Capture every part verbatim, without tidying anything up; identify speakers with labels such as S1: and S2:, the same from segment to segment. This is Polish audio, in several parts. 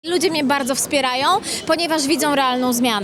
S1: Ludzie mnie bardzo wspierają, ponieważ widzą realną zmianę.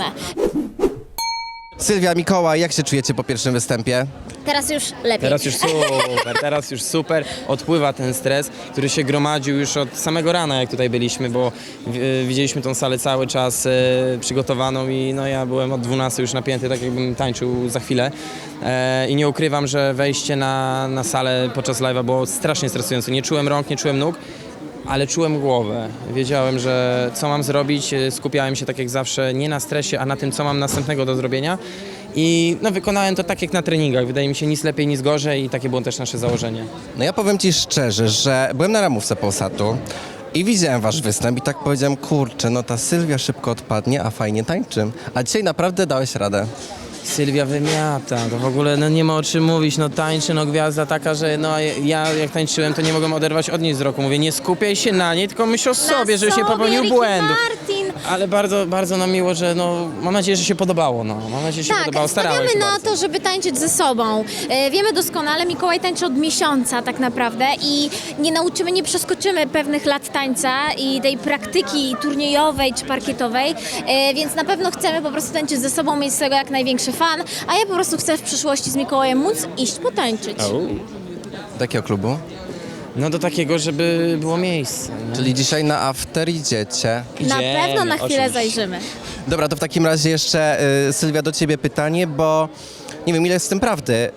S2: Sylwia, Mikołaj, jak się czujecie po pierwszym występie?
S1: Teraz już lepiej.
S3: Teraz już super, teraz już super. Odpływa ten stres, który się gromadził już od samego rana, jak tutaj byliśmy, bo w- widzieliśmy tą salę cały czas e, przygotowaną i no ja byłem od dwunastej już napięty, tak jakbym tańczył za chwilę. E, I nie ukrywam, że wejście na, na salę podczas live'a było strasznie stresujące. Nie czułem rąk, nie czułem nóg, ale czułem głowę. Wiedziałem, że co mam zrobić, skupiałem się tak jak zawsze nie na stresie, a na tym, co mam następnego do zrobienia. I no, wykonałem to tak jak na treningach. Wydaje mi się nic lepiej, nic gorzej i takie było też nasze założenie.
S2: No ja powiem ci szczerze, że byłem na ramówce Polsatu i widziałem wasz występ i tak powiedziałem, kurczę, no ta Sylwia szybko odpadnie, a fajnie tańczy. A dzisiaj naprawdę dałeś radę.
S3: Sylwia wymiata, to w ogóle no, nie ma o czym mówić, no tańczy, no gwiazda taka, że no ja jak tańczyłem, to nie mogłem oderwać od niej wzroku. Mówię, nie skupiaj się na niej, tylko myśl o sobie, żebyś nie popełnił
S1: Ricky
S3: błędu.
S1: Martin.
S3: Ale bardzo, bardzo nam miło, że no, mam nadzieję, że się podobało, no. Mam nadzieję, że się
S1: Tak,
S3: podobało, starałem
S1: stawiamy
S3: się
S1: na
S3: bardzo.
S1: to, żeby tańczyć ze sobą. E, wiemy doskonale, Mikołaj tańczy od miesiąca tak naprawdę i nie nauczymy, nie przeskoczymy pewnych lat tańca i tej praktyki turniejowej czy parkietowej, e, więc na pewno chcemy po prostu tańczyć ze sobą, mieć z tego jak największy fan, a ja po prostu chcę w przyszłości z Mikołajem móc iść potańczyć.
S3: Au.
S2: Do jakiego klubu?
S3: No do takiego, żeby było miejsce. nie?
S2: Czyli dzisiaj na after idziecie.
S1: Na
S3: Idziemy,
S1: pewno na chwilę
S3: oczywiście.
S1: zajrzymy.
S2: Dobra, to w takim razie jeszcze, y, Sylwia, do ciebie pytanie, bo nie wiem, ile jest w tym prawdy.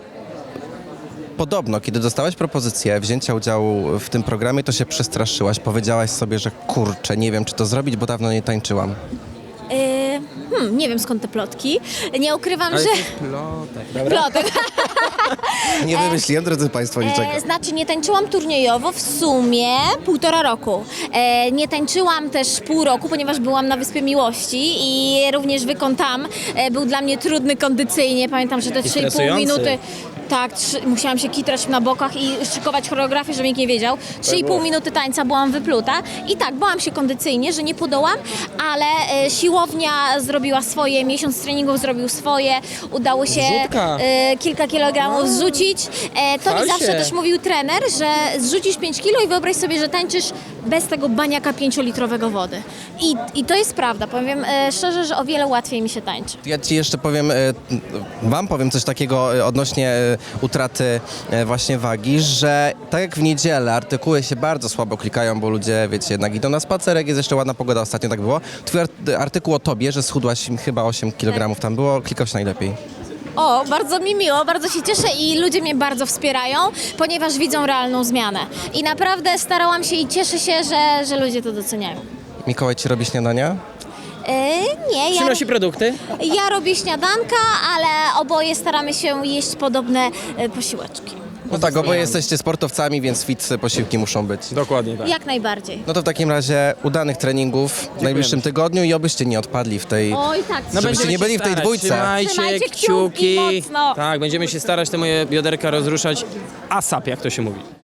S2: Podobno, kiedy dostałaś propozycję wzięcia udziału w tym programie, to się przestraszyłaś. Powiedziałaś sobie, że kurczę, nie wiem, czy to zrobić, bo dawno nie tańczyłam.
S1: E, hmm, nie wiem skąd te plotki. Nie ukrywam,
S3: Ale
S1: że...
S3: to jest plotek, dobra?
S1: Plotek.
S2: Nie wymyśliłem, drodzy państwo, niczego.
S1: E, znaczy nie tańczyłam turniejowo w sumie półtora roku. E, nie tańczyłam też pół roku, ponieważ byłam na Wyspie Miłości i również wykon tam e, był dla mnie trudny kondycyjnie. Pamiętam, że te trzy i pół
S3: stresujący.
S1: minuty... Tak, trzy, musiałam się kitrać na bokach i szykować choreografię, żeby nikt nie wiedział. trzy i pół minuty tańca byłam wypluta i tak, bałam się kondycyjnie, że nie podołam, ale e, siłownia zrobiła swoje, miesiąc treningów zrobił swoje, udało się
S3: Zrzutka.
S1: e, kilka kilogramów zrzucić. E, to mi
S3: Chwal
S1: zawsze
S3: się.
S1: też mówił trener, że zrzucisz pięć kilo i wyobraź sobie, że tańczysz bez tego baniaka pięciolitrowego wody. I, I to jest prawda, powiem e, szczerze, że o wiele łatwiej mi się tańczy.
S2: Ja ci jeszcze powiem, e, wam powiem coś takiego e, odnośnie e, utraty e, właśnie wagi, że tak jak w niedzielę artykuły się bardzo słabo klikają, bo ludzie, wiecie, jednak idą na spacerek, jest jeszcze ładna pogoda, ostatnio tak było. Twój art- artykuł o tobie, że schudłaś chyba osiem kilogramów tam było, klikał się najlepiej.
S1: O, bardzo mi miło, bardzo się cieszę i ludzie mnie bardzo wspierają, ponieważ widzą realną zmianę. I naprawdę starałam się i cieszę się, że, że ludzie to doceniają.
S2: Mikołaj ci robi śniadania?
S1: E, nie, ja,
S3: Przynosi produkty?
S1: ja robię śniadanka, ale oboje staramy się jeść podobne e, posiłeczki.
S2: No tak, oboje jesteście sportowcami, więc fit posiłki muszą być.
S3: Dokładnie tak.
S1: Jak najbardziej.
S2: No to w takim razie udanych treningów w najbliższym tygodniu i obyście nie odpadli w tej...
S1: Oj, tak.
S2: No żebyście
S3: będziemy
S2: nie byli
S3: się
S2: w tej
S3: starać.
S2: dwójce.
S3: Trzymajcie,
S1: Trzymajcie
S3: kciuki.
S1: kciuki mocno.
S3: Tak, będziemy się starać te moje bioderka rozruszać ASAP, jak to się mówi.